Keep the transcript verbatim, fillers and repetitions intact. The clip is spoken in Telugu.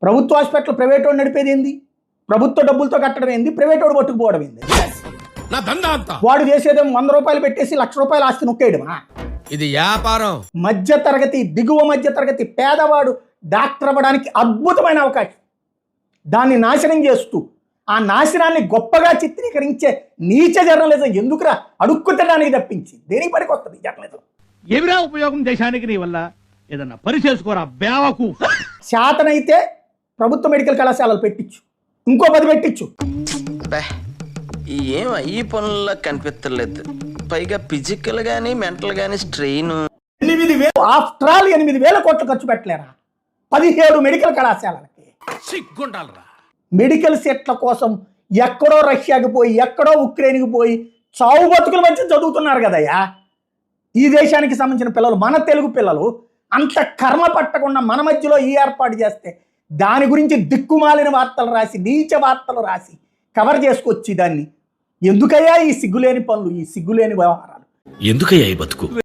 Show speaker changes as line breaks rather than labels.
ప్రభుత్వ హాస్పిటల్ ప్రైవేట్ వాడు నడిపేది ఏంది? ప్రభుత్వ డబ్బులతో కట్టడం ఏంది? ప్రైవేట్ వాడు పట్టుకుపోవడం ఏంది? వాడు చేసేదేమో వంద రూపాయలు పెట్టేసి లక్ష రూపాయలు ఆస్తి నొక్కేయడమా?
ఇది వ్యాపారం.
మధ్య తరగతి, దిగువ మధ్య తరగతి పేదవాడు డాక్టర్ అవ్వడానికి అద్భుతమైన అవకాశం. దాన్ని నాశనం చేస్తూ ఆ నాశనాన్ని గొప్పగా చిత్రీకరించే నీచ జర్నలిజం ఎందుకురా? అడుక్కుతడానికి తప్పించి దేనికి పనికి వస్తుంది జర్నలిజం?
ఏమిరా ఉపయోగం దేశానికి నీ వల్ల? ఏదన్నా పని చేసుకోరా బేవకు.
శాతనైతే ప్రభుత్వ మెడికల్ కళాశాలలు పెట్టించు, ఇంకో పది పెట్టించు.
ఏం ఈ పనుల్లో కనిపించలేదు. పైగా ఫిజికల్ గానీ మెంటల్ గానీ స్ట్రెయిన్.
ఎనిమిది వేలు ఆఫ్టర్ ఆల్ ఎనిమిది వేల కోట్లు ఖర్చు పెట్టలేరా పదిహేడు మెడికల్ కళాశాలలకి?
సిగ్గుండాలరా.
మెడికల్ సీట్ల కోసం ఎక్కడో రష్యాకి పోయి, ఎక్కడో ఉక్రెయిన్కి పోయి చావు బతుకుల మధ్య చదువుతున్నారు కదయ్యా ఈ దేశానికి సంబంధించిన పిల్లలు, మన తెలుగు పిల్లలు. అంత కర్మ పట్టకుండా మన మధ్యలో ఈ ఏర్పాటు చేస్తే దాని గురించి దిక్కుమాలిన వార్తలు రాసి, నీచ వార్తలు రాసి కవర్ చేసుకొచ్చి దాన్ని ఎందుకయ్యా ఈ సిగ్గులేని పనులు, ఈ సిగ్గులేని వ్యవహారాలు?
ఎందుకయ్యా ఈ బతుకు?